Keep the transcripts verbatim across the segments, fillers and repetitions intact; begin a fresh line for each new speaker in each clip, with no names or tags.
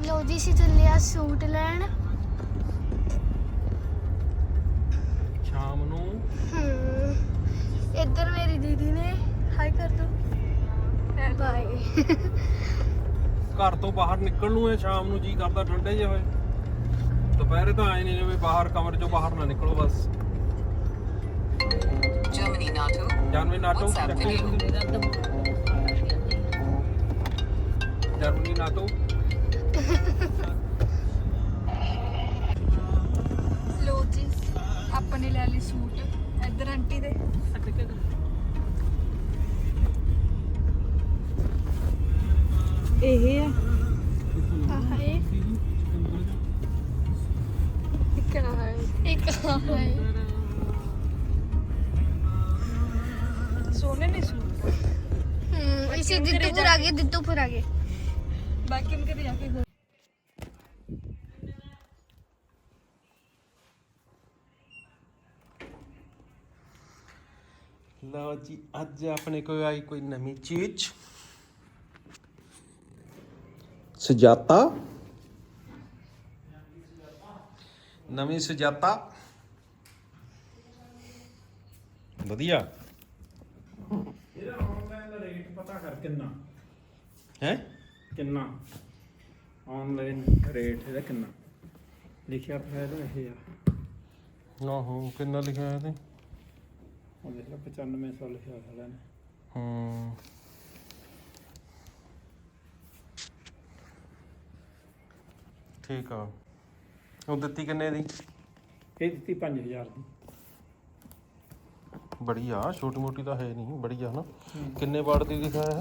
ਲੋ ਜੀ ਅਸੀਂ ਚੱਲੇ ਆ ਸੂਟ ਲੈਣ
ਸ਼ਾਮ ਨੂੰ।
ਹਮ ਇੱਧਰ ਮੇਰੀ ਦੀਦੀ ਨੇ ਹਾਈ ਕਰ ਦੋ ਬਾਏ।
ਘਰ ਤੋਂ ਬਾਹਰ ਨਿਕਲਣ ਨੂੰ ਹੈ ਸ਼ਾਮ ਨੂੰ, ਜੀ ਕਰਦਾ ਠੰਡੇ ਜਿਹੇ ਹੋਏ। ਦੁਪਹਿਰੇ ਤਾਂ ਆਏ ਨਹੀਂ ਜਿਵੇਂ ਬਾਹਰ ਕਮਰੇ ਚੋਂ ਬਾਹਰ ਨਾ ਨਿਕਲੋ ਬਸ।
Germany NATO.
Germany NATO
WhatsApp video.
Germany NATO.
ਲੋ ਜੀ ਆਪਾਂ ਨੇ ਲੈ ਲਈ ਸੂਟ ਇੱਧਰ ਆਂਟੀ ਦੇ। ਇਹ ਹੈ
ਆਹ ਹੈ
ਇੱਕ ਨਾ ਹੈ
ਇੱਕ ਆਹ ਹੈ
ਸੋਨੇ ਨੇ ਸੂਟ
ਹਮ ਇਸੇ ਦਿੱਤੂਪੁਰ ਆ ਗਏ ਦਿੱਤੂਪੁਰ ਆ ਗਏ
ਬਾਕੀ हम कभी जाके हो
ਲਓ ਜੀ ਅੱਜ ਆਪਣੇ ਕੋਲ ਆਈ ਕੋਈ ਨਵੀਂ ਚੀਜ਼। ਸੁਜਾਤਾ ਨਵੀਂ ਸੁਜਾਤਾ ਵਧੀਆ।
ਇਹਦਾ ਆਨਲਾਈਨ ਦਾ ਰੇਟ ਪਤਾ ਕਰ ਕਿੰਨਾ
ਹੈ
ਕਿੰਨਾ ਆਨਲਾਈਨ ਰੇਟ ਇਹਦਾ ਕਿੰਨਾ ਲਿਖਿਆ ਪਿਆ ਇਹਦਾ ਇਹ ਆ।
ਆਹੋ ਕਿੰਨਾ ਲਿਖਿਆ ਹੈ ਤੇ
ਉਹ ਦੇਖ ਲਓ ਪਚਾਨਵੇਂ ਸੌ ਲਿਖਿਆ ਹੋਇਆ ਨੇ।
ਹੂੰ ਠੀਕ ਆ। ਉਹ ਦਿੱਤੀ ਕਿੰਨੇ ਦੀ?
ਇਹ ਦਿੱਤੀ ਪੰਜ ਹਜ਼ਾਰ ਦੀ।
ਬੜੀ ਆ, ਛੋਟੀ ਮੋਟੀ ਤਾਂ ਹੈ ਨਹੀਂ, ਬੜੀ ਆ ਨਾ। ਕਿੰਨੇ ਵਾਟ ਦੀ ਲਿਖਿਆ ਹੈ?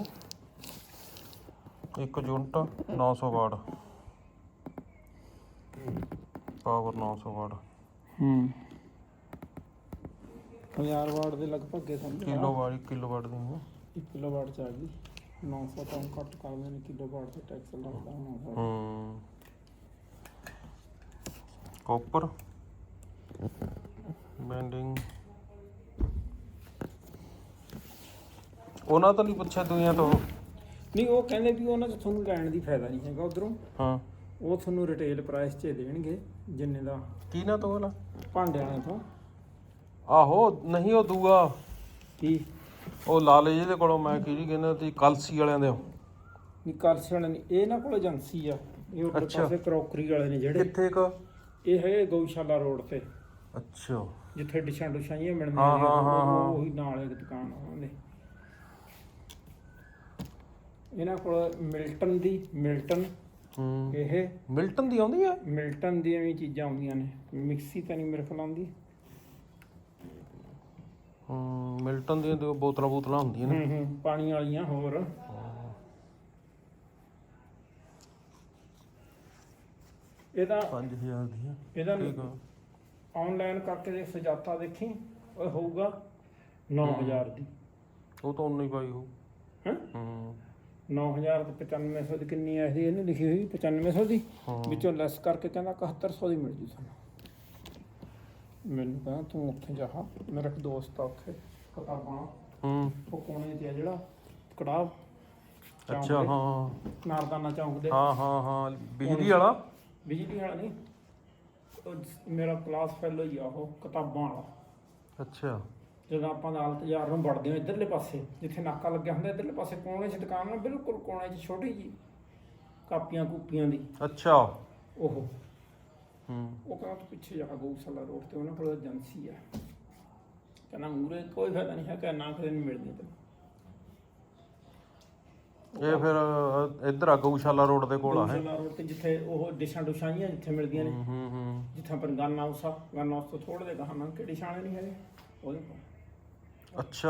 ਇੱਕ ਯੂਨਿਟ ਨੌ ਸੌ ਵਾਟ ਪਾਵਰ, ਨੌ ਸੌ ਵਾਟ।
ਹੂੰ ਹਜ਼ਾਰ ਵਾਟ ਦੇ ਲਗਭਗ ਇਹ ਸਮਝ
ਕਿਲੋ ਵਾਟ, ਕਿਲੋ ਵਾਟ ਦੀ ਹੈ।
ਇੱਕ ਕਿਲੋ ਵਾਟ ਚਾਹੀਦੀ ਨੌ ਸੌ ਤੋਂ ਘੱਟ ਕਰਦੇ ਨੇ, ਕਿਲੋ ਵਾਟ ਤੇ ਟੈਕਸ ਲੱਗਦਾ ਹੋਣਾ।
ਹੂੰ ਕਾਪਰ ਬੈਂਡਿੰਗ ਉਹਨਾਂ ਤੋਂ ਨਹੀਂ ਪੁੱਛਿਆ ਦੁਨੀਆ ਤੋਂ।
ਨਹੀਂ ਉਹ ਕਹਿੰਦੇ ਵੀ ਉਹਨਾਂ 'ਚ ਤੁਹਾਨੂੰ ਲੈਣ ਦੀ ਫਾਇਦਾ ਨਹੀਂ ਹੈਗਾ ਉਧਰੋਂ।
ਹਾਂ
ਉਹ ਤੁਹਾਨੂੰ ਰਿਟੇਲ ਪ੍ਰਾਈਸ 'ਚ ਦੇਣਗੇ ਜਿੰਨੇ ਦਾ।
ਕੀ ਨਾ ਤੋਂ ਵਾਲਾ
ਭਾਂਡਿਆਂ ਤੋਂ।
ਆਹੋ ਨਹੀਂ ਉਹ ਦੂਆ
ਕੀ
ਉਹ ਲਾਲੇ ਜਿਹਦੇ ਕੋਲੋਂ ਮੈਂ ਕੀ ਕਹਿੰਦਾ ਸੀ ਕਲਸੀ ਵਾਲਿਆਂ ਦੇ।
ਨਹੀਂ ਕਰਸਣ ਨਹੀਂ, ਇਹ ਨਾ ਕੋਲ ਏਜੰਸੀ ਆ। ਇਹ ਉੱਪਰ
ਅੱਛਾ।
ਪਾਸੇ ਕਰੋਕਰੀ ਵਾਲੇ ਨੇ ਜਿਹੜੇ।
ਕਿੱਥੇ ਕ
ਇਹ ਹੈ ਗਊਸ਼ਾਲਾ ਰੋਡ ਤੇ,
ਅੱਛਾ
ਜਿੱਥੇ ਡਿਸ਼ਾਂ ਡੁਸ਼ਾਂ ਜਿਹੀਆਂ
ਹਾਂ,
ਮਿਲਦੀਆਂ ਨੇ।
ਹਾਂ, ਹਾਂ, ਹਾਂ।
ਉਹ- ਉਹੀ ਨਾਲ ਇੱਕ ਦੁਕਾਨ ਆ ਉਹਨਾਂ ਦੇ। ਇਹਨਾਂ ਕੋਲ ਮਿਲਟਨ ਦੀ ਮਿਲਟਨ
ਹੂੰ
ਇਹ
ਮਿਲਟਨ ਦੀ ਆਉਂਦੀ ਆ।
ਮਿਲਟਨ ਦੀਆਂ ਵੀ ਚੀਜ਼ਾਂ ਆਉਂਦੀਆਂ ਨੇ। ਮਿਕਸੀ ਤਾਂ ਨਹੀਂ ਮੇਰੇ ਕੋਲ ਆਉਂਦੀ।
ਹੂੰ ਮਿਲਟਨ ਦੀਆਂ ਤੇ ਬੋਤਲਾਂ ਬੋਤਲਾਂ ਹੁੰਦੀਆਂ ਨੇ।
ਹੂੰ ਹੂੰ ਪਾਣੀ ਵਾਲੀਆਂ। ਹੋਰ ਇਹਦਾ
ਪੰਜ ਹਜ਼ਾਰ ਦੀਆਂ
ਇਹਦਾ
ਠੀਕ ਆ।
ਆਨਲਾਈਨ ਕਰਕੇ ਦੇ ਸੁਜਾਤਾ ਦੇਖੀ ਉਹ ਹੋਊਗਾ ਨੌ ਹਜ਼ਾਰ ਦੀ।
ਉਹ ਤਾਂ ਉਨਾ ਹੀ ਪਾਈ ਹੋ।
ਹੈਂ
ਹੂੰ
ਨੌ ਹਜ਼ਾਰ ਤੇ ਪਚਾਨਵੇਂ ਸੌ ਦੀ ਕਿੰਨੀ ਆਈ ਸੀ ਇਹਨੇ ਲਿਖੀ ਹੋਈ ਪਚਾਨਵੇਂ ਸੌ ਦੀ।
ਹਾਂ।
ਵਿੱਚੋਂ ਲੈਸ ਕਰਕੇ ਕਹਿੰਦਾ ਇਕਹੱਤਰ ਸੌ ਦੀ ਮਿਲ ਜੂ ਤੁਹਾਨੂੰ। ਮੈਨੂੰ ਕਹਿੰਦਾ ਤੂੰ ਉੱਥੇ ਜਾ, ਮੇਰਾ ਇੱਕ ਦੋਸਤ ਆ ਉੱਥੇ ਕਿਤਾਬਾਂ
ਹੂੰ
ਉਹ ਕੋਨੇ 'ਤੇ ਆ ਜਿਹੜਾ ਕੜਾਹ
ਅੱਛਾ ਹਾਂ
ਨਾਰਦਾਨਾ ਚੌਂਕ ਦੇ।
ਹਾਂ ਹਾਂ ਹਾਂ ਬਿਜਲੀ ਵਾਲਾ।
ਬਿਜਲੀ ਵਾਲਾ ਨਹੀਂ, ਉਹ ਮੇਰਾ ਕਲਾਸ ਫੈਲੋ ਹੀ ਆ ਉਹ ਕਿਤਾਬਾਂ ਵਾਲਾ।
ਅੱਛਾ
ਜਦੋਂ ਆਪਾਂ ਅਦਾਲਤ ਯਾਰ ਨੂੰ ਵੜਦੇ ਹਾਂ ਇੱਧਰਲੇ ਪਾਸੇ ਜਿੱਥੇ ਨਾਕਾ ਲੱਗਿਆ ਹੁੰਦਾ, ਇੱਧਰਲੇ ਪਾਸੇ ਕੋਨੇ 'ਚ ਦੁਕਾਨ ਆ, ਬਿਲਕੁਲ ਕੋਨੇ 'ਚ ਛੋਟੀ ਜੀ ਕਾਪੀਆਂ ਕੂਪੀਆਂ ਦੀ
ਅੱਛਾ
ਉਹ।
ਹੂੰ
ਉਹ ਕਹਿੰਦਾ ਤੂੰ ਪਿੱਛੇ ਜਾ ਗਊਸ਼ਾਲਾ ਰੋਡ ਤੇ ਉਹਨਾਂ ਕੋਲ ਏਜੰਸੀ ਆ। ਕਹਿੰਦਾ ਮੂਰੇ ਕੋਈ ਫਾਇਦਾ ਨਹੀਂ ਹੈ ਕਿ ਨਾ ਕਦੇ ਨਹੀਂ ਮਿਲਦੀ ਤੈਨੂੰ।
ਇਹ ਫਿਰ ਅ, ਇੱਧਰ ਆ ਗਊਸ਼ਾਲਾ ਰੋਡ ਦੇ ਕੋਲ ਆ ਹੈ।
ਗਊਸ਼ਾਲਾ ਰੋਡ ਤੇ ਜਿੱਥੇ ਉਹ ਡਿਸ਼ਾਂ ਡੁਸ਼ਾਂ ਜਿਹੀਆਂ ਜਿੱਥੇ ਮਿਲਦੀਆਂ ਨੇ।
ਹੂੰ ਹੂੰ ਹੂੰ
ਜਿੱਥੇ ਆਪਾਂ ਗਨ ਹਾਊਸ ਆ, ਗਨ ਹਾਊਸ ਤੋਂ ਥੋੜੇ ਦੇ ਗਾਹਾਂ ਕਿ ਡਿਸ਼ਾਂ ਨਹੀਂ ਹੈਗੇ ਉਹਦੇ ਕੋਲ।
ਅੱਛਾ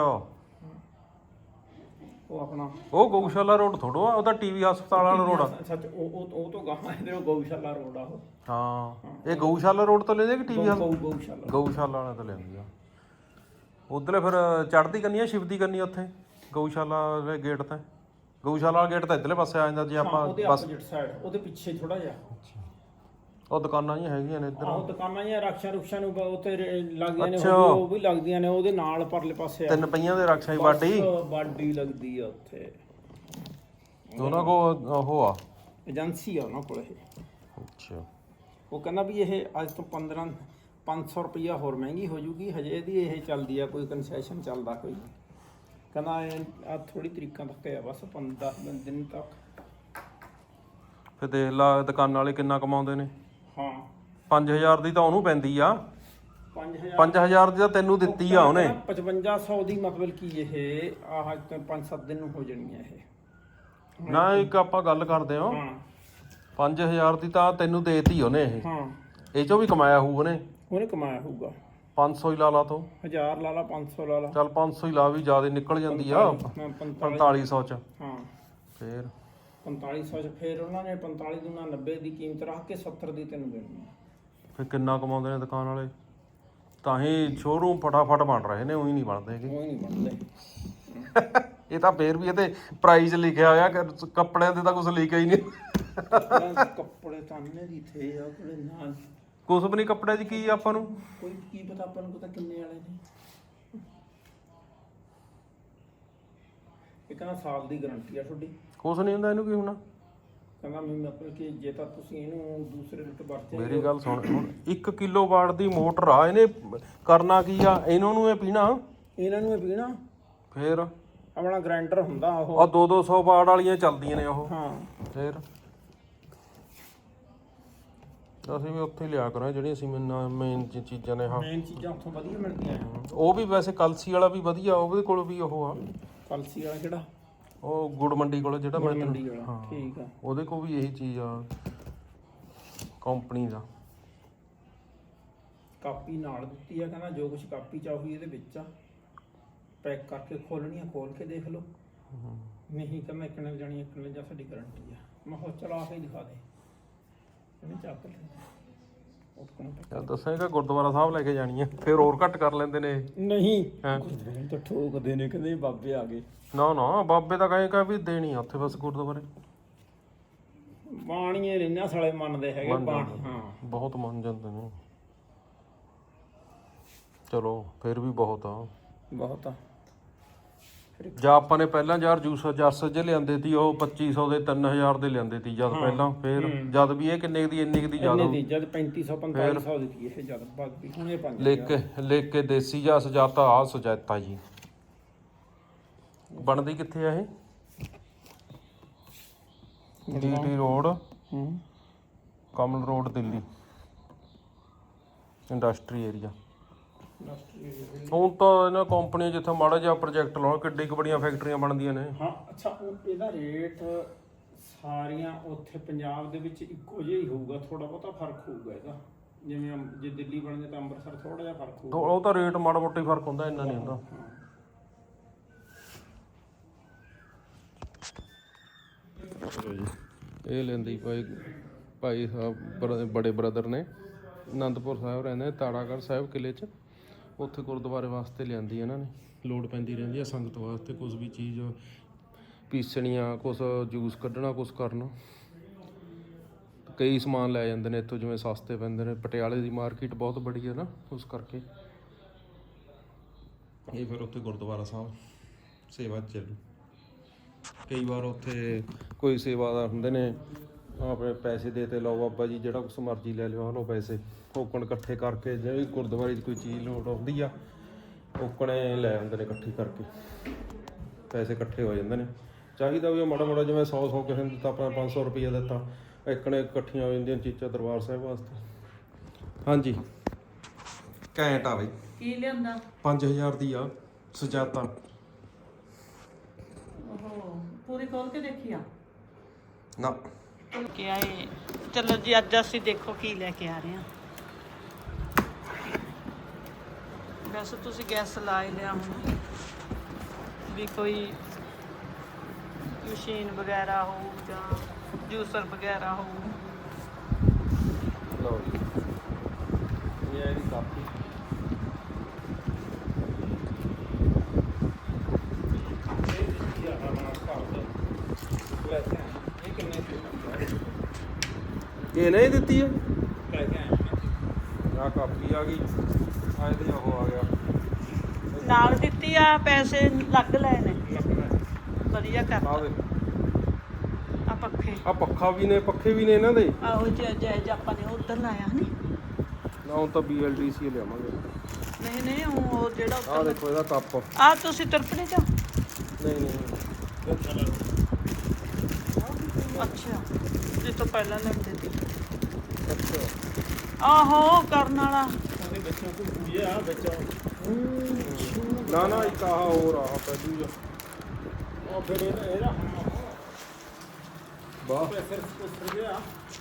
ਉਹ ਆਪਣਾ
ਉਹ ਗਊਸ਼ਾਲਾ ਰੋਡ ਥੋੜੋ ਆ, ਉਹਦਾ ਟੀਵੀ ਹਸਪਤਾਲ ਵਾਲਾ ਰੋਡ ਆ।
ਸੱਚ ਉਹ ਉਹ ਉਹ ਤੋਂ ਗਾਹਾਂ ਇਹਦੇ ਉਹ ਗਊਸ਼ਾਲਾ ਰੋਡ ਆ ਉਹ।
ਹਾਂ ਇਹ ਗਊਸ਼ਾਲਾ ਰੋਡ ਤੋਂ ਲੈ ਜਾ ਕਿ ਟੀਵੀ
ਗਊ ਗਊਸ਼ਾਲਾ
ਗਊਸ਼ਾਲਾ ਵਾਲਾ ਤੋਂ ਲੈਂਦੀ ਆ। ਉਧਰਲੇ ਫਿਰ ਚੜ੍ਹਦੀ ਕੰਨੀ ਆ ਸ਼ਿਵਦੀ ਕੰਨੀ ਉੱਥੇ ਗਊਸ਼ਾਲਾ ਦੇ ਗੇਟ ਤੇ। ਗਊਸ਼ਾਲਾ ਵਾਲਾ ਗੇਟ ਤਾਂ ਇੱਧਰਲੇ ਪਾਸੇ ਆ ਜਾਂਦਾ ਜੇ ਆਪਾਂ
ਉਹਦੇ
ਬਸ।
ਆਪੋਜ਼ਿਟ ਸਾਈਡ ਉਹਦੇ ਪਿੱਛੇ ਥੋੜਾ ਜਿਹਾ
ਉਹ ਦੁਕਾਨਾਂ ਜਿਹੀਆਂ ਹੈਗੀਆਂ ਨੇ ਇੱਧਰ।
ਆਹ ਦੁਕਾਨਾਂ ਜਾਂ ਰਕਸ਼ਾ ਰੁਕਸ਼ਾ ਨੂੰ ਉੱਥੇ ਲੱਗਦੀਆਂ ਨੇ,
ਅੱਛਾ।
ਉਹ ਵੀ ਲੱਗਦੀਆਂ ਨੇ ਉਹਦੇ ਨਾਲ ਪਰਲੇ ਪਾਸੇ।
ਤਿੰਨ ਪਈਆਂ ਦੇ ਰਕਸ਼ਾ ਹੀ ਬਾਡੀ
ਬਾਡੀ ਲੱਗਦੀ ਆ ਉੱਥੇ।
ਉਹਨਾਂ ਕੋ ਉਹ ਆ
ਏਜੰਸੀ ਆ ਉਹਨਾਂ ਕੋਲ ਇਹ।
ਅੱਛਾ
ਉਹ ਕਹਿੰਦਾ ਵੀ ਇਹ ਅੱਜ ਤੋਂ ਪੰਦਰਾਂ ਪੰਜ ਸੌ ਰੁਪਈਆ ਹੋਰ ਮਹਿੰਗੀ ਹੋ ਜੂਗੀ, ਹਜੇ ਇਹਦੀ ਇਹ ਚੱਲਦੀ ਆ, ਕੋਈ ਕਨਸੈਸ਼ਨ ਚੱਲਦਾ ਕੋਈ। ਕਹਿੰਦਾ ਇਹ ਆ ਥੋੜੀ ਤਰੀਕਾਂ ਤੱਕ ਆ ਬਸ ਪੰਦਰਾਂ ਦਿਨ ਤੱਕ।
ਫਿਰ ਦੇਖ ਲਾ ਦੁਕਾਨਾਂ ਵਾਲੇ ਕਿੰਨਾ ਕਮਾਉਂਦੇ ਨੇ।
ਹਾਂ
ਪੰਜ ਹਜ਼ਾਰ ਦੀ ਤਾਂ ਉਹਨੂੰ ਪੈਂਦੀ ਆ,
ਪੰਜ ਹਜ਼ਾਰ
ਪੰਜ ਹਜ਼ਾਰ ਦੀ ਤਾਂ ਤੈਨੂੰ ਦਿੱਤੀ ਆ ਉਹਨੇ।
ਪਚਵੰਜਾ ਸੌ ਦੀ ਮਤਲਬ ਕੀ ਇਹ ਆਹ ਪੰਜ ਸੱਤ ਦਿਨ ਨੂੰ ਹੋ ਜਾਣੀ ਆ ਇਹ।
ਨਾ ਇੱਕ ਆਪਾਂ ਗੱਲ ਕਰਦੇ ਹਾਂ,
ਹਾਂ
ਪੰਜ ਹਜ਼ਾਰ ਦੀ ਤਾਂ ਤੈਨੂੰ ਦੇਤੀ ਉਹਨੇ ਇਹ,
ਹਾਂ
ਇਹ ਚੋਂ ਵੀ ਕਮਾਇਆ ਹੋਊ ਉਹਨੇ।
ਉਹਨੇ ਕਮਾਇਆ ਹੋਊਗਾ
ਪੰਜ ਸੌ ਹੀ ਲਾ ਲਾ ਤੂੰ,
ਹਜ਼ਾਰ ਲਾ ਲਾ, ਪੰਜ ਸੌ ਲਾ ਲਾ,
ਚੱਲ ਪੰਜ ਸੌ ਹੀ ਲਾ, ਵੀ ਜ਼ਿਆਦਾ ਨਿਕਲ ਜਾਂਦੀ ਆ
ਮੈਂ ਪੰਤਾਲੀ
ਪੰਤਾਲੀ ਸੌ ਚ।
ਹਾਂ
ਫੇਰ
ਪੰਤਾਲੀ ਸੌ ਚ ਫਿਰ ਉਹਨਾਂ ਨੇ ਪੰਤਾਲੀ ਦੂਣਾ ਨੱਬੇ ਦੀ ਕੀਮਤ ਰੱਖ ਕੇ ਸੱਤਰ ਦੀ ਤੈਨੂੰ ਦੇਣੀ ਆ।
ਫਿਰ ਕਿੰਨਾ ਕਮਾਉਂਦੇ ਨੇ ਦੁਕਾਨ ਵਾਲੇ, ਤਾਂ ਹੀ ਸ਼ੋਰੂਮ ਫਟਾਫਟ ਬਣ ਰਹੇ ਨੇ, ਉਹੀ ਨਹੀਂ ਬਣਦੇ ਹੈਗੇ।
ਉਹ ਹੀ ਨਹੀਂ ਬਣਦੇ।
ਇਹ ਤਾਂ ਫੇਰ ਵੀ ਇਹਦੇ ਪ੍ਰਾਈਸ ਲਿਖਿਆ ਹੋਇਆ, ਕਿ ਕੱਪੜਿਆਂ ਦੇ ਤਾਂ ਕੁਝ ਲਿਖਿਆ ਹੀ ਨਹੀਂ।
ਕੱਪੜੇ ਤਾਨੇ ਦੀ ਥੇ ਆ ਕੋਲੇ ਨਾ,
ਕੁਝ ਵੀ ਨਹੀਂ ਕੱਪੜਿਆਂ 'ਚ ਕੀ ਆਪਾਂ ਨੂੰ
ਕੋਈ ਕੀ ਪਤਾ, ਆਪਾਂ ਨੂੰ ਪਤਾ ਕਿੰਨੇ ਵਾਲੇ ਨੇ। ਇਹ ਕਹਿੰਦਾ ਸਾਲ ਦੀ ਗਾਰੰਟੀ ਆ ਤੁਹਾਡੀ।
ਕੁਝ ਨਹੀਂ ਹੁੰਦਾ, ਇਹਨੂੰ ਕੀ ਹੋਣਾ।
ਕਹਿੰਦਾ ਮੈਂ ਮਤਲਬ ਕਿ ਜੇ ਤਾਂ ਤੁਸੀਂ ਇਹਨੂੰ ਦੂਸਰੇ ਰੂਟ ਵਰਤੇ।
ਮੇਰੀ ਗੱਲ ਸੁਣ, ਹੁਣ ਇੱਕ ਕਿਲੋ ਵਾਟ ਦੀ ਮੋਟਰ ਆ, ਇਹਨੇ ਕਰਨਾ ਕੀ ਆ, ਇਹਨਾਂ ਨੂੰ ਇਹ ਪੀਣਾ,
ਇਹਨਾਂ ਨੂੰ ਇਹ ਪੀਣਾ।
ਫੇਰ
ਆਪਣਾ ਗ੍ਰਾਈਂਡਰ ਹੁੰਦਾ ਉਹ,
ਆ ਦੋ ਦੋ ਸੌ ਵਾਟ ਵਾਲੀਆਂ ਚੱਲਦੀਆਂ ਨੇ ਉਹ।
ਹਾਂ
ਫੇਰ ਅਸੀਂ ਵੀ ਉੱਥੇ ਲਿਆ ਕਰਾਂ ਜਿਹੜੀਆਂ ਅਸੀਂ ਮੇਨ ਚੀਜ਼ਾਂ ਨੇ। ਹਾਂ
ਮੇਨ ਚੀਜ਼ਾਂ ਉੱਥੋਂ ਵਧੀਆ ਮਿਲਦੀਆਂ।
ਉਹ ਵੀ ਵੈਸੇ ਕਲਸੀ ਵਾਲਾ ਵੀ ਵਧੀਆ, ਉਹਦੇ ਕੋਲ ਵੀ ਉਹ ਆ,
ਕਲਸੀ ਵਾਲਾ ਕਿਹੜਾ?
ਉਹ ਗੁੜ ਮੰਡੀ ਕੋਲ ਜਿਹੜਾ ਮੈਂ
ਮੰਡੀ
ਤੈਨੂੰ-
ਵਾਲਾ।
ਹਾਂ
ਠੀਕ ਆ।
ਉਹਦੇ ਕੋਲ ਵੀ ਇਹੀ ਚੀਜ਼ ਆ ਕੰਪਨੀ ਦਾ।
ਕਾਪੀ ਨਾਲ ਦਿੱਤੀ ਆ, ਕਹਿੰਦਾ ਜੋ ਕੁਝ ਕਾਪੀ ਚ ਆਉਗੀ ਇਹਦੇ ਵਿੱਚ ਆ, ਪੈਕ ਕਰਕੇ ਖੋਲਣੀ ਆ, ਖੋਲ ਕੇ ਦੇਖ ਲਓ। ਨਹੀਂ ਕਹਿੰਦਾ ਇੱਕ ਨਾਲ ਜਾਣੀ ਇੱਕ ਨਾਲ ਜਾਂ ਸਾਡੀ ਗਾਰੰਟੀ ਆ। ਮੈਂ ਕਿਹਾ ਚਲ ਆ ਕੇ ਦਿਖਾ ਦੇ। ਇਹਨੇ ਚੱਕ ਲਿਆ
ਯਾਰ ਦੱਸਾਂਗਾ ਗੁਰਦੁਆਰਾ ਸਾਹਿਬ ਲੈ ਕੇ ਜਾਣੀ ਆ, ਫਿਰ ਹੋਰ ਘੱਟ ਕਰ ਲੈਂਦੇ ਨੇ ਇਹ।
ਨਹੀਂ
ਹੈਂ?
ਤਾਂ ਠੋਕਦੇ ਨੇ, ਕਹਿੰਦੇ ਬਾਬੇ ਆ ਗਏ।
ਨਾ ਨਾ ਬਾਬੇ ਤਾਂ ਕਹੇਗਾ ਵੀ ਦੇਣੀ ਆ ਉੱਥੇ ਬਸ ਗੁਰਦੁਆਰੇ।
ਬਾਣੀਏ ਰਹਿਣਾ ਸਾਲੇ ਮੰਨਦੇ ਹੈਗੇ
ਮੰਨ
ਬਾਣ।
ਜਾਂਦੇ।
ਹਾਂ
ਬਹੁਤ ਮੰਨ ਜਾਂਦੇ ਨੇ। ਚਲੋ ਫਿਰ ਵੀ ਬਹੁਤ ਆ।
ਬਹੁਤ ਆ।
ਜਾਂ ਆਪਾਂ ਨੇ ਪਹਿਲਾਂ ਯਾਰ ਜੂਸ ਜਰਸ ਜੇ ਲਿਆਂਦੇ ਸੀ, ਉਹ ਪੱਚੀ ਸੌ ਦੇ ਤਿੰਨ ਹਜ਼ਾਰ ਦੇ ਲਿਆਂਦੇ ਸੀ ਜਦ ਪਹਿਲਾਂ। ਫਿਰ ਜਦ ਵੀ ਇਹ ਕਿੰਨੇ ਦੀ ਇੰਨੀ ਕੁ ਦੀ ਜ਼ਿਆਦਾ
ਇਹਨੇ ਦੀ ਜਦ ਪੈਂਤੀ ਸੌ ਪੰਤਾਲੀ ਸੌ ਦਿੱਤੀ ਇਹ ਜਦ ਬਾਕੀ ਹੁਣ ਇਹ ਪੰਜ
ਲਿਖ ਕੇ ਲਿਖ ਕੇ ਦੇਸੀ ਜਾਂ ਸੁਜਾਤਾ ਆ ਸੁਜਾਤਾ ਜੀ। ਬਣਦੀ ਕਿੱਥੇ ਆ ਇਹ? ਡੀਟੀ ਰੋਡ,
ਹੂੰ
Kamal road, Delhi industry area. ਹੁਣ ਤਾਂ ਇਹਨਾਂ ਕੰਪਨੀਆਂ ਜਿੱਥੇ ਮਾੜਾ ਜਿਹਾ ਪ੍ਰੋਜੈਕਟ ਲਾਉਣ, ਕਿੱਡੀ ਕੁ ਬੜੀਆਂ ਫੈਕਟਰੀਆਂ ਬਣਦੀਆਂ ਨੇ।
ਹਾਂ ਅੱਛਾ, ਉਹ ਇਹਦਾ ਰੇਟ ਸਾਰੀਆਂ ਉੱਥੇ ਪੰਜਾਬ ਦੇ ਵਿੱਚ ਇੱਕੋ ਜਿਹਾ ਹੀ ਹੋਊਗਾ, ਥੋੜਾ ਬਹੁਤਾ ਫਰਕ ਹੋਊਗਾ ਇਹਦਾ। ਜਿਵੇਂ ਅੰਬ- ਜੇ ਦਿੱਲੀ ਬਣਦੇ ਤਾਂ ਅੰਮ੍ਰਿਤਸਰ ਥੋੜਾ ਜਿਹਾ ਫਰਕ ਹੋਊਗਾ।
ਉਹ ਤਾਂ ਰੇਟ ਮਾੜਾ ਮੋਟਾ ਹੀ ਫਰਕ ਹੁੰਦਾ, ਇੰਨਾ ਨਹੀਂ ਹੁੰਦਾ। ਇਹ ਲੈਂਦੀ ਭਾਈ ਭਾਈ ਸਾਹਿਬ ਬੜੇ ਬ੍ਰਦਰ ਨੇ, ਅਨੰਦਪੁਰ ਸਾਹਿਬ ਰਹਿੰਦੇ, ਤਾੜਾਗੜ੍ਹ ਸਾਹਿਬ ਕਿਲੇ 'ਚ। ਉੱਥੇ ਗੁਰਦੁਆਰੇ ਵਾਸਤੇ ਲਿਆਂਦੀ ਇਹਨਾਂ ਨੇ, ਲੋੜ ਪੈਂਦੀ ਰਹਿੰਦੀ ਆ ਸੰਗਤ ਵਾਸਤੇ, ਕੁਝ ਵੀ ਚੀਜ਼ ਪੀਸਣੀਆਂ, ਕੁਛ ਜੂਸ ਕੱਢਣਾ, ਕੁਛ ਕਰਨਾ। ਕਈ ਸਮਾਨ ਲੈ ਜਾਂਦੇ ਨੇ ਇੱਥੋਂ, ਜਿਵੇਂ ਸਸਤੇ ਪੈਂਦੇ ਨੇ। ਪਟਿਆਲੇ ਦੀ ਮਾਰਕੀਟ ਬਹੁਤ ਬੜੀ ਹੈ ਨਾ, ਉਸ ਕਰਕੇ ਇਹ ਫਿਰ ਉੱਥੇ ਗੁਰਦੁਆਰਾ ਸਾਹਿਬ ਸੇਵਾ ਚੱਲੂ। ਕਈ ਵਾਰ ਉੱਥੇ ਕੋਈ ਸੇਵਾਦਾਰ ਹੁੰਦੇ ਨੇ, ਆਪਣੇ ਪੈਸੇ ਦੇ ਤੇ ਲਓ ਬਾਬਾ ਜੀ, ਜਿਹੜਾ ਕੁਛ ਮਰਜ਼ੀ ਲੈ ਲਿਓ, ਆ ਲਓ ਪੈਸੇ। ਟੋਕਣ ਇਕੱਠੇ ਕਰਕੇ, ਜਿਹੜੀ ਗੁਰਦੁਆਰੇ 'ਚ ਕੋਈ ਚੀਜ਼ ਲੋੜ ਆਉਂਦੀ ਆ, ਟੋਕਣੇ ਲੈ ਆਉਂਦੇ ਨੇ ਇਕੱਠੀ ਕਰਕੇ, ਪੈਸੇ ਇਕੱਠੇ ਹੋ ਜਾਂਦੇ ਨੇ। ਚਾਹੀਦਾ ਵੀ ਮਾੜਾ ਮਾੜਾ, ਜਿਵੇਂ ਸੌ ਸੌ ਕਿਸੇ ਨੂੰ ਦਿੱਤਾ, ਆਪਣਾ ਪੰਜ ਸੌ ਰੁਪਈਆ ਦਿੱਤਾ, ਇਕਣੇ ਇਕੱਠੀਆਂ ਹੋ ਜਾਂਦੀਆਂ ਚੀਜ਼ਾਂ ਦਰਬਾਰ ਸਾਹਿਬ ਵਾਸਤੇ। ਹਾਂਜੀ ਘੈਂਟ ਆ ਬਈ।
ਕੀ ਲਿਆਂਦਾ?
ਪੰਜ ਹਜ਼ਾਰ ਦੀ ਆ ਸੁਜਾਤਾ।
ਉਹ ਪੂਰੀ ਖੋਲ ਕੇ ਦੇਖੀ ਆ
ਨਾ
ਕਿ ਆਏ। ਚਲੋ ਜੀ, ਅੱਜ ਅਸੀਂ ਦੇਖੋ ਕੀ ਲੈ ਕੇ ਆ ਰਹੇ ਹਾਂ। ਵੈਸੇ ਤੁਸੀਂ ਗੈਸ ਲਾ ਹੀ ਲਿਆ ਹੁਣ, ਵੀ ਕੋਈ ਮਸ਼ੀਨ ਵਗੈਰਾ ਹੋ ਜਾਂ ਜੂਸਰ ਵਗੈਰਾ ਹੋ।
ਲਓ ਜੀ, ਇਹ ਹੈ ਇਹਦੀ ਕਾਪੀ। ਇਹ ਨਹੀਂ ਦਿੱਤੀ ਹੈ, ਆ ਕਾਪੀ ਆ ਗਈ, ਆ ਇਹਦੇ ਉਹ ਆ ਗਿਆ
ਨਾਲ ਦਿੱਤੀ ਆ, ਪੈਸੇ ਲੱਗ ਲਏ ਨੇ। ਵਧੀਆ
ਆ
ਕਰਤਾ
ਵੇ।
ਆਪਾਂ ਪੱਖੇ
ਆ ਪੱਖਾ ਵੀ ਨੇ, ਪੱਖੇ ਵੀ ਨੇ ਇਹਨਾਂ ਦੇ।
ਆਹੋ ਜੇ ਜੇ ਆਪਾਂ ਨੇ ਉਧਰ ਲਾਇਆ ਨਹੀਂ
ਨਾ ਹੁਣ ਤਾਂ ਬੀ ਐਲ ਡੀ ਸੀ ਲਿਆਵਾਂਗੇ।
ਨਹੀਂ ਨਹੀਂ ਉਹ ਜਿਹੜਾ
ਆ
ਉੱਤਰ
ਦੇਖੋ ਇਹਦਾ ਕੱਪ।
ਆ ਤੁਸੀਂ ਤਰਪੜੇ ਚ
ਨਹੀਂ ਨਹੀਂ
ਅੱਛਾ ਇਹ ਤੋਂ ਪਹਿਲਾਂ ਲੈਂਦੇ ਸੀ
ਅੱਛਾ।
ਆਹੋ ਕਰਨ ਵਾਲਾ
ਉਹਦੇ ਵਿੱਚੋਂ ਕੋਈ ਪੂਜੇ ਆ ਵਿੱਚ
ਨਾ ਨਾ ਇੱਕ ਆਹ ਹੋਰ ਆ ਪਹਿਲੂ ਜਿਹਾ।
ਉਹ ਫਿਰ ਇਹਦਾ ਇਹਦਾ
ਵਾਹ
ਪ੍ਰੈਸ਼ਰ ਕੁਛ ਗਿਆ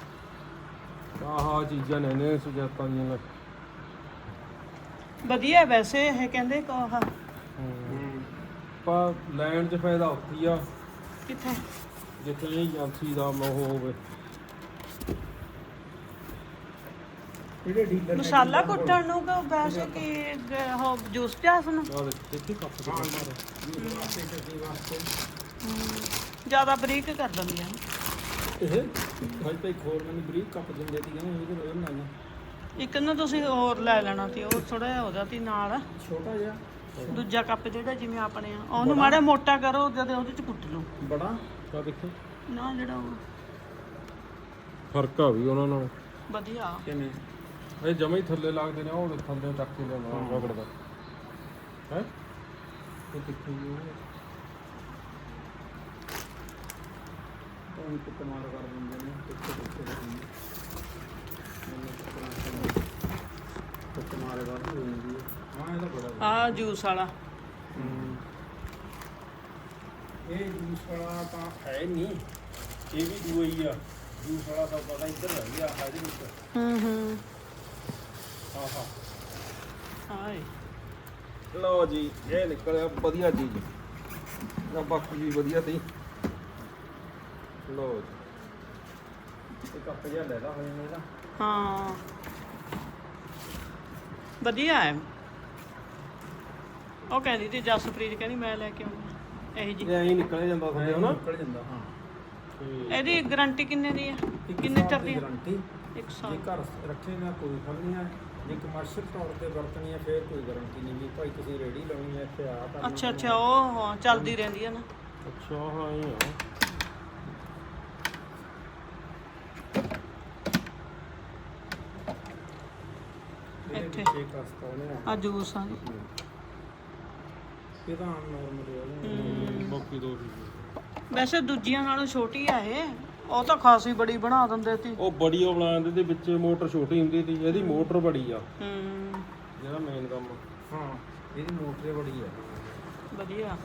ਆਹ ਚੀਜ਼ਾਂ ਨੇ ਨੇ ਸੁਜਾਤਾਂ ਦੀਆਂ ਲੈ।
ਵਧੀਆ ਵੈਸੇ ਇਹ ਕਹਿੰਦੇ ਕੋਹ
ਪਰ ਲੈਣ 'ਚ ਫਾਇਦਾ ਉੱਥੇ ਆ
ਕਿੱਥੇ
ਜਿੱਥੇ ਏਜੰਸੀ ਦਾ ਉਹ ਹੋਵੇ।
ਜਿਹੜੇ ਡੀਲਰ
ਮਸਾਲਾ ਕੁੱਟਣ ਨੂੰ ਕਿ ਵੈਸੇ ਕੀ ਗ- ਉਹ ਜੂਸ ਪਿਆਸ ਨੂੰ
ਆ ਦੇਖ ਦੇਖੀ ਕੱਪ ਦੇ ਮਾਰ
ਵਾਸਤੇ ਵਾਸਤੇ
ਜ਼ਿਆਦਾ ਬਰੀਕ ਕਰ ਦਿੰਦੀਆਂ
ਇਹ ਹਜੇ ਤਾਂ ਇੱਕ ਹੋਰ ਮੈਨੂੰ ਬਰੀਕ ਕੱਪ ਦਿੰਦੇ ਸੀ ਕਹਿੰਦੇ ਉਹਦੇ ਨਾਲ ਬਣਾਇਆ
ਇੱਕ ਨਾ ਤੁਸੀਂ ਹੋਰ ਲੈ ਲੈਣਾ ਸੀ ਉਹ ਥੋੜਾ ਜਿਹਾ ਉਹਦਾ ਸੀ ਨਾਲ
ਛੋਟਾ ਜਿਹਾ
ਦੂਜਾ ਕੱਪ ਜਿਹੜਾ ਜਿਵੇਂ ਆਪਣੇ ਆ ਉਹਨੂੰ ਮਾੜਾ ਮੋਟਾ ਕਰੋ ਜਦ ਉਹਦੇ ਚ ਕੁੱਟ ਲਓ
ਬੜਾ
ਆ ਦੇਖੋ
ਨਾ ਜਿਹੜਾ ਉਹ
ਫਰਕ ਆ ਵੀ ਉਹਨਾਂ ਨਾਲ।
ਵਧੀਆ
ਕਿਵੇਂ
ਇਹ ਜਮੇ ਹੀ ਥੱਲੇ ਲੱਗਦੇ ਨੇ ਉਹ ਥੱਲੇ ਚੱਕ ਕੇ ਲਿਆਉਣਾ ਰਗੜ ਦਾ ਹੈ ਇਹ ਕਿੱਥੇ ਜੀ
ਉਹ ਇੱਕ ਕਮਾਲ ਕਰ ਦਿੰਦੇ ਨੇ ਕਿੱਥੇ ਕਿੱਥੇ ਦਿੰਦੇ ਤੇ ਕਮਾਲ ਕਰ ਦਿੰਦੀ ਹਾਂ ਇਹਦਾ ਬੜਾ
ਆ ਜੂਸ ਵਾਲਾ
ਇਹ ਜੂਸ ਵਾਲਾ ਤਾਂ ਹੈ ਨਹੀਂ ਇਹ ਵੀ ਦੂਆ ਹੀ ਆ ਜੂਸ ਵਾਲਾ ਤਾਂ ਪਤਾ ਇੱਧਰ ਰਹਿ ਗਿਆ ਇਹਦੇ ਵਿੱਚ
ਹੂੰ ਹੂੰ
ਆਹਾ
ਹਾਏ
ਲਓ ਜੀ ਇਹ ਨਿਕਲਿਆ ਵਧੀਆ ਚੀਜ਼ ਨਾ ਬਾਕੀ ਵੀ ਵਧੀਆ ਤੀ। ਲਓ ਜੀ
ਇਹ ਕੱਪ ਜਿਹਾ ਲੈਦਾ ਹੋ ਜਾਂਦਾ ਇਹਦਾ
ਹਾਂ ਵਧੀਆ ਹੈ ਉਹ ਕਹਿੰਦੀ ਤੇ ਜਸਪ੍ਰੀਤ ਕਹਿੰਦੀ ਮੈਂ ਲੈ ਕੇ ਆਉਂਦੀ ਇਹੀ ਜੀ
ਇਹ ਐਂ ਹੀ ਨਿਕਲਿਆ ਜਾਂਦਾ ਥੱਲੇ ਹਨਾ।
ਨਿਕਲ ਜਾਂਦਾ ਹਾਂ
ਇਹਦੀ ਗਾਰੰਟੀ ਕਿੰਨੇ ਦੀ ਹੈ ਕਿੰਨੇ ਚਿਰ ਦੀ ਹੈ
ਗਾਰੰਟੀ
ਇੱਕ
ਜੇ
ਸਾਲ
ਘਰ ਰੱਖੇ ਨਾ ਕੋਈ ਫਲ ਨਹੀਂ ਹੈ ਜੇ ਕਮਰਸ਼ੀਅਲ ਤੌਰ ਤੇ ਵਰਤਣੀ ਹੈ ਫਿਰ ਕੋਈ ਗਾਰੰਟੀ ਨਹੀਂ ਵੀ ਭਾਈ ਤੁਸੀਂ ਰੇੜੀ ਲਾਉਣੀ ਹੈ ਇੱਥੇ ਆ ਕਰਨਾ
ਅੱਛਾ ਅੱਛਾ ਉਹ ਹਾਂ ਚੱਲਦੀ ਰਹਿੰਦੀ ਹੈ ਨਾ
ਅੱਛਾ ਹਾਂ ਇਹ ਆ
ਇਹਦੇ
ਇੱਥੇ।
ਵਿੱਚ ਇੱਕ ਹਸਤਾ ਉਹਨੇ
ਆ ਜੂਸ ਆ
ਇਹ ਤਾਂ ਆਮ ਨਾਰਮਲ ਹੈ
ਬਾਕੀ ਦੋ ਚੀਜ਼ਾਂ
ਵੈਸੇ ਦੂਜੀਆਂ ਨਾਲੋਂ ਛੋਟੀ ਆ ਇਹ ਉਹ ਤਾਂ ਖਾਸੀ ਬੜੀ ਬਣਾ ਦਿੰਦੇ ਸੀ
ਉਹ ਬੜੀ ਉਹ ਬਣਾ ਦਿੰਦੇ ਤੇ ਵਿੱਚ ਮੋਟਰ ਛੋਟੀ ਹੁੰਦੀ ਸੀ ਇਹਦੀ ਮੋਟਰ ਬੜੀ ਆ
ਹੂੰ
ਜਿਹੜਾ ਮੇਨ ਕੰਮ
ਹਾਂ ਇਹਦੀ ਮੋਟਰ ਬੜੀ ਹੈ
ਵਧੀਆ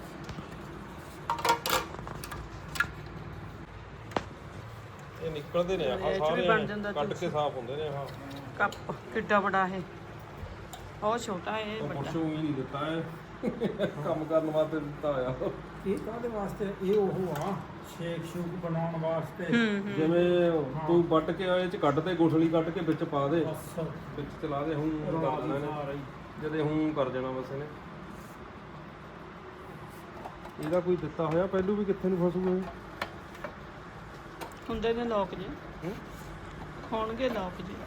ਇਹ ਨਿਕਲਦੇ ਨੇ ਆਹ
ਇਹ 'ਚ ਵੀ
ਸਾਰੇ
ਬਣ ਜਾਂਦਾ
ਕੱਢ
ਜੂਸ।
ਕੇ ਸਾਫ਼ ਹੁੰਦੇ ਨੇ ਆਹ
ਕੱਪ ਕਿੱਡਾ ਬੜਾ ਇਹ ਉਹ ਛੋਟਾ ਇਹ
ਉਹ
ਵੱਡਾ
ਪੁਰਸ਼ੋਂ ਹੀ ਨਹੀਂ ਦਿੱਤਾ ਹੈ ਕੰਮ ਕਰਨ ਵਾਸਤੇ ਦਿੱਤਾ ਆ
ਇਹ ਕਾਹਦੇ ਵਾਸਤੇ ਇਹ ਉਹ ਆ ਸ਼ੇਕ ਸ਼ੂਕ ਬਣਾਉਣ ਵਾਸਤੇ
ਹੂੰ ਹੂੰ
ਜਿਵੇਂ ਤੂੰ ਵੱਟ ਕੇ ਇਹ ਚ ਕੱਢ ਦੇ ਗੁਠਲੀ ਕੱਢ ਕੇ ਵਿੱਚ ਪਾ ਦੇ
ਬਸ
ਵਿੱਚ ਚਲਾ ਦੇ ਹੁਣ ਕਰ ਦੇਣਾ ਇਹਨੇ ਜਦੇ ਹੁਣ ਕਰ ਜਾਣਾ ਬਸ ਇਹਨੇ ਇਹਦਾ ਕੋਈ ਦਿੱਤਾ ਹੋਇਆ ਪਹਿਲੂ ਵੀ ਕਿੱਥੇ ਨੂੰ ਫਸੂਗਾ ਇਹ
ਹੁੰਦੇ ਨੇ ਲੋਕ ਜੀ
ਹੂੰ?
ਹੋਣਗੇ ਲੋਕ ਜੀ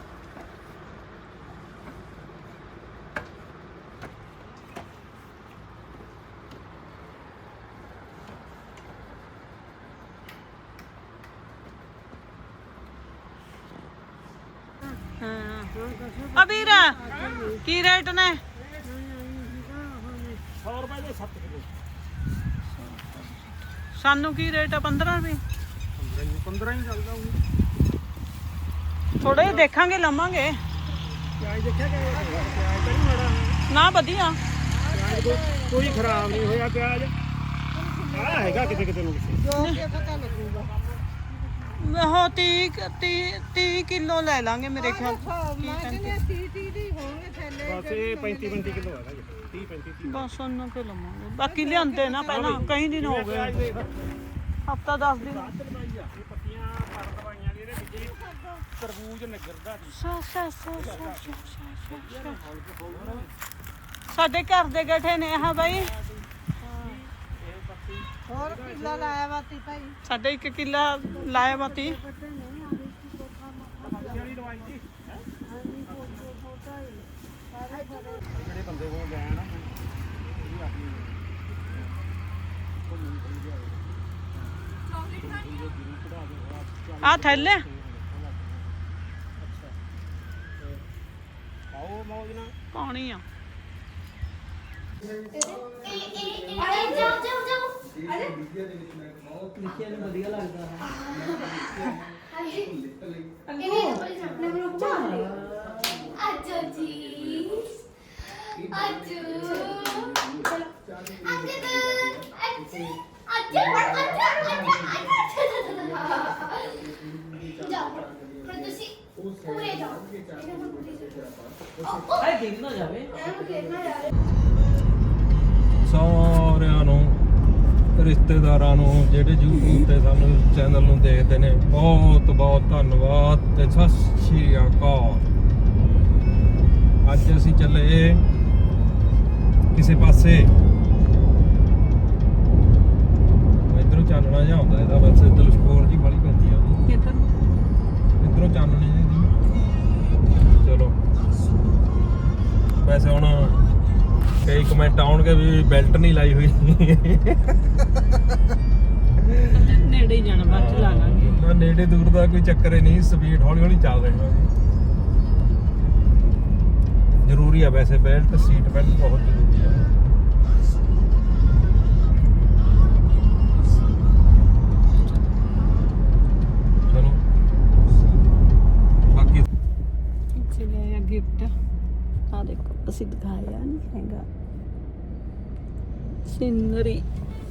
ਹਾਂ ਅਬੀਰਾ ਕੀ ਰੇਟ ਨੇ
ਸੌ ਰੁਪਏ ਦੇ ਸੱਤ ਕਿਲੋ
ਸਾਨੂੰ ਕੀ ਰੇਟ ਆ ਪੰਦਰਾਂ ਰੁਪਏ
ਪੰਦਰਾਂ ਹੀ ਚੱਲਦਾ ਉਹ
ਥੋੜੇ ਜਿਹੇ ਦੇਖਾਂਗੇ ਲਵਾਂਗੇ
ਪਿਆਜ਼ ਦੇਖਿਆ ਕਿ ਪਿਆਜ਼ ਤਾਂ ਨਹੀਂ ਮਾੜਾ
ਨਾ ਵਧੀਆ
ਪਿਆਜ਼ ਕੋਈ ਕੋਈ ਖਰਾਬ ਨਹੀਂ ਹੋਇਆ ਪਿਆਜ਼ ਆ ਹੈਗਾ ਕਿਤੇ ਕਿਤੇ ਨੂੰ
ਉਹ ਤੀਹ ਤੀਹ ਕਿਲੋ ਲੈ ਲਾਂਗੇ ਮੇਰੇ ਖਿਆਲ
ਬਸ ਇਹ ਪੈਂਤੀ ਪੈਂਤੀ ਕਿਲੋ ਹੈਗਾ ਜੀ ਤੀਹ ਪੈਂਤੀ ਤੀਹ
ਬਸ ਉਹਨਾਂ ਕੇ ਲਵਾਂਗੇ ਬਾਕੀ ਲਿਆਂਦੇ ਨਾ ਪਹਿਲਾਂ ਕਈ ਦਿਨ ਹੋ ਗਏ ਹਫਤਾ ਦਸ ਦਿਨ
ਇਹ ਪੱਤੀਆਂ ਪਰ ਦਵਾਈਆਂ ਦੀ ਇਹਦੇ ਵਿੱਚ ਤਰਬੂਜ ਨਿਗਰਦਾ
ਸਾ ਸਾ ਸਾ ਸਾ ਸਾ ਸਾ ਸਾਡੇ ਘਰ ਦੇ ਗੱਠੇ ਨੇ ਹਾਂ ਬਾਈ
ਹੋਰ ਕਿੱਲਾ ਲਾਇਆ ਵਾਤੀ ਭਾਈ
ਸਾਡੇ ਇੱਕ ਕਿੱਲਾ ਲਾਇਆ ਬਾਤੀ
ਵਾਲੀ ਦਵਾਈ ਜੀ ਜਿਹੜੇ ਬੰਦੇ ਕੋਲ ਗਿਆ ਨਾ ਇਹ ਆਪਣੀ
ਆ ਥੈਲੇ
ਆਓ ਮੌਜ ਨਾਲ
ਪਾਣੀ ਆ
ਅਰੇ ਜਾਓ ਜਾਓ ਜਾਓ
ਲਿਖਿਆ ਨੂੰ ਵਧੀਆ ਲੱਗਦਾ
ਅੱਜੋ ਜੀ ਅੱਜੋ
ਸਾਰਿਆਂ ਨੂੰ ਰਿਸ਼ਤੇਦਾਰਾਂ ਨੂੰ ਜਿਹੜੇ YouTube ਤੇ ਸਾਨੂੰ ਚੈਨਲ ਨੂੰ ਦੇਖਦੇ ਨੇ ਬਹੁਤ ਬਹੁਤ ਧੰਨਵਾਦ ਤੇ ਸਤਿ ਸ਼੍ਰੀ ਅਕਾਲ। ਅੱਜ ਅਸੀਂ ਚੱਲੇ ਕਿਸੇ ਪਾਸੇ, ਇਧਰੋਂ ਚਾਨਣਾ ਜਿਹਾ ਆਉਂਦਾ ਇਹਦਾ, ਵੈਸੇ ਇੱਧਰ ਸਕੋਰ ਜੀ ਵਾਲੀ ਪੈਂਦੀ ਆ
ਕਿੱਧਰ
ਇਧਰੋਂ ਚਾਨਣੇ ਜਿਹੀ ਦੀ। ਚਲੋ ਵੈਸੇ ਹੁਣ ਕਈ ਕਮੈਂਟ ਆਉਣਗੇ ਵੀ ਬੈਲਟ ਨਹੀਂ ਲਾਈ ਹੋਈ।
ਨੇੜੇ ਹੀ ਜਾਣਾ, ਬਾਅਦ ਚ ਲਾ ਲਾਂਗੇ।
ਨਾ ਨੇੜੇ ਦੂਰ ਦਾ ਕੋਈ ਚੱਕਰ ਹੀ ਨਹੀਂ, ਸਪੀਡ ਹੌਲੀ ਹੌਲੀ ਚੱਲ ਰਹੇ ਹਾਂ। ਜ਼ਰੂਰੀ ਆ ਵੈਸੇ ਬੈਲਟ, ਸੀਟ ਬੈਲਟ ਬਹੁਤ ਜ਼ਰੂਰੀ ਆ। ਚਲੋ ਬਾਕੀ
ਇੱਥੇ ਲਿਆ ਗਿਫਟ, ਆ ਦੇਖੋ ਅਸੀਂ ਦਿਖਾਇਆ ਨਹੀਂ ਹੈਗਾ ਸਿਨਰੀ।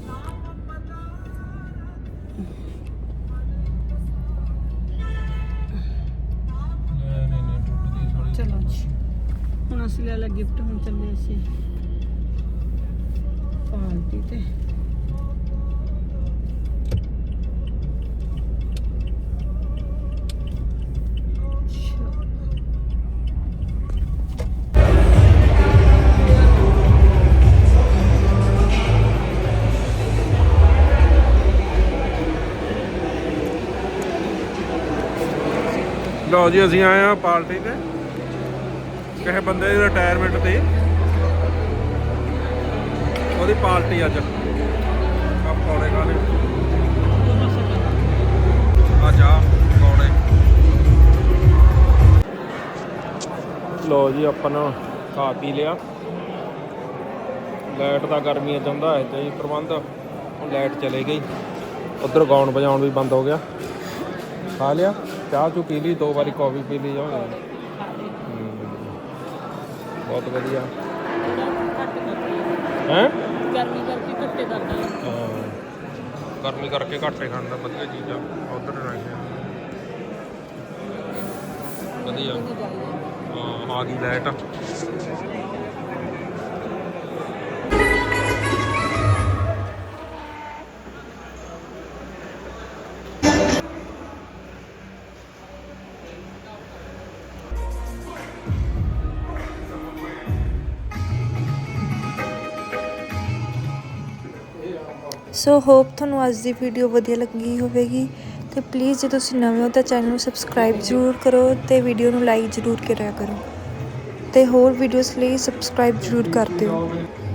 ਨਹੀਂ ਨਹੀਂ ਟੁੱਟਦੀ ਥੋੜੀ।
ਚਲੋ ਜੀ ਹੁਣ ਅਸੀਂ ਲੈ ਲਿਆ ਗਿਫਟ, ਹੁਣ ਚੱਲੇ ਅਸੀਂ ਪਾਰਟੀ ਤੇ।
ਲਓ ਜੀ ਅਸੀਂ ਆਏ ਆ ਪਾਰਟੀ ਤੇ, ਕਿਸੇ ਬੰਦੇ ਦੀ ਰਿਟਾਇਰਮੈਂਟ ਤੇ, ਉਹਦੀ ਪਾਰਟੀ ਅੱਜ। ਆ ਪਕੌੜੇ ਖਾਣੇ, ਆ ਚਾਹ ਪਕੌੜੇ। ਲਓ ਜੀ ਆਪਾਂ ਨੇ ਖਾ ਪੀ ਲਿਆ। ਲਾਈਟ ਦਾ ਗਰਮੀਆਂ ਚਾਹੁੰਦਾ ਹੈ ਤੇ ਪ੍ਰਬੰਧ, ਹੁਣ ਲਾਈਟ ਚਲੇ ਗਈ। ਉੱਧਰ ਗਾਉਣ ਵਜਾਉਣ ਵੀ ਬੰਦ ਹੋ ਗਿਆ। ਖਾ ਲਿਆ, ਚਾਹ ਚੂ ਪੀ ਲਈ, ਦੋ ਵਾਰੀ ਕੌਫੀ ਪੀ ਲਈ ਜਾਵਾਂਗੇ। ਬਹੁਤ ਵਧੀਆ ਹੈ।
ਗਰਮੀ ਕਰਕੇ ਘੱਟੇ ਕਰਦਾ
ਹਾਂ, ਗਰਮੀ ਕਰਕੇ ਘੱਟੇ ਖਾਣ ਦਾ ਵਧੀਆ ਚੀਜ਼ਾਂ ਉਧਰ ਰੱਖਿਆ ਵਧੀਆ। ਹਾਂ ਆ ਗਈ ਲਾਈਟ।
ਸੋ ਹੋਪ ਤੁਹਾਨੂੰ ਅੱਜ ਦੀ ਵੀਡੀਓ ਵਧੀਆ ਲੱਗੀ ਹੋਵੇਗੀ ਤੇ ਪਲੀਜ਼ ਜੇ ਤੁਸੀਂ ਨਵੇਂ ਹੋ ਤਾਂ ਚੈਨਲ ਨੂੰ ਸਬਸਕ੍ਰਾਈਬ ਜ਼ਰੂਰ ਕਰੋ ਤੇ ਵੀਡੀਓ ਨੂੰ ਲਾਈਕ ਜ਼ਰੂਰ ਕਰਿਆ ਕਰੋ ਤੇ ਹੋਰ ਵੀਡੀਓਜ਼ ਲਈ ਸਬਸਕ੍ਰਾਈਬ ਜ਼ਰੂਰ ਕਰ ਦਿਓ।